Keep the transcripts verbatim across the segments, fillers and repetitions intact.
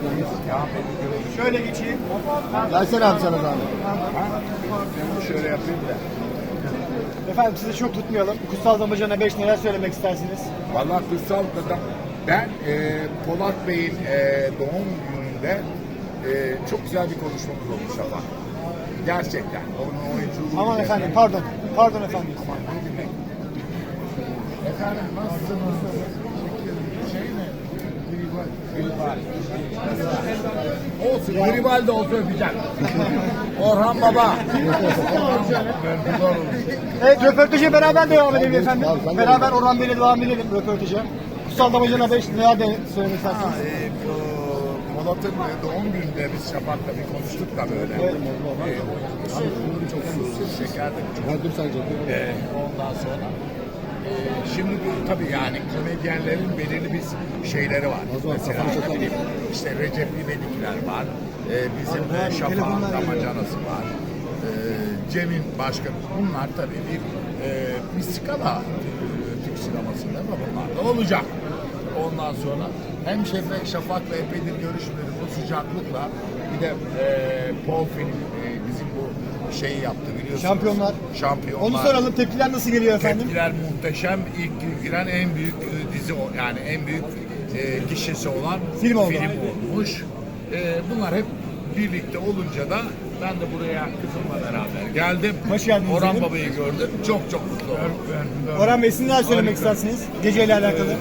Şöyle geçeyim. Gelsene abi sana zahmet. Ben şöyle yapayım da. Efendim sizi çok tutmayalım. Kutsal Damacana beş neler söylemek istersiniz? Vallahi kutsal adam. Ben e, Polat Bey'in e, doğum gününde e, çok güzel bir konuşmamız olmuş ama. Gerçekten. Onun oyunculuğu. Aman efendim pardon. Pardon efendim. Aman ne demek. Efendim nasılsınız? Şey mi? Gribal. Olsun. Gribal de olsa öpeceğim. Orhan Baba. Evet röportaja beraber devam edelim efendim. Tamam, sen de Beraber devam. Orhan Bey'le devam edelim röportaja. Kutsal Damacana beş neler de söylemek istersiniz? E, bu Polat'ın doğum gününde biz Şafak'la bir konuştuk da böyle. Evet. E, çok susuz, şeker de çok. Ha, dur sen canım. E, ondan sonra e, şimdi bu tabii yani komedyenlerin belirli bir şeyleri var. O zaman Mesela kafanı çatalım. ne bileyim, işte Recep İvedikler var. E, bizim Abi, e, abi, Şafak'ın telefonlar geliyor. Damacanası var. E, Cem'in başka. Bunlar tabii bir, e, bir skala e, Türk sinemasında ama bunlar da olacak. Ondan sonra hem Şefik Şafak'la epeydir görüşmedim bu sıcaklıkla. Bir de e, Paul film e, bizim bu şeyi yaptı biliyorsunuz. Şampiyonlar. Şampiyonlar. Onu soralım. Tepkiler nasıl geliyor efendim? Tepkiler muhteşem. İlk giren en büyük e, dizi o- yani en büyük e, gişesi olan Film oldu. olmuş. E, bunlar hep birlikte olunca da ben de buraya kızımla beraber geldim. Hoş geldiniz Orhan efendim. Baba'yı gördüm. Çok çok mutlu oldum. Orhan Bey siz neler söylemek istersiniz? Geceyle alakalı.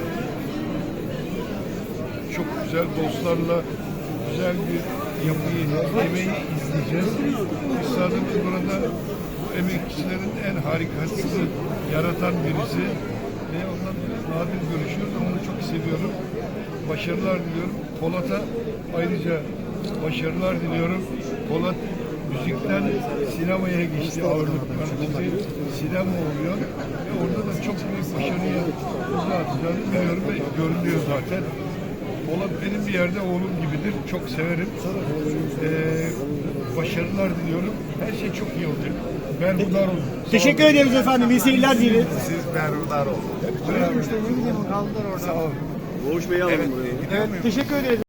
Çok güzel dostlarla güzel bir yapıyı, yemeği izleyeceğiz. Üstadımız burada emekçilerin en harikasını yaratan birisi ve ondan nadir görüşüyoruz ama onu çok seviyorum. Başarılar diliyorum. Polat'a ayrıca başarılar diliyorum. Polat müzikten sinemaya geçti ağırlıklar. Şimdi sinema oluyor ve orada da çok büyük başarıya imza atacağını biliyorum ve görünüyor zaten. Polat benim bir yerde oğlum gibidir. Çok severim. Ee, başarılar diliyorum. Her şey çok iyi olacak. Berhudar olun. Teşekkür ederiz efendim. İyi seyirler dileriz. Siz berhudar olun. Sağ olun. Evet, gidiyor muyum? Evet, teşekkür ederiz.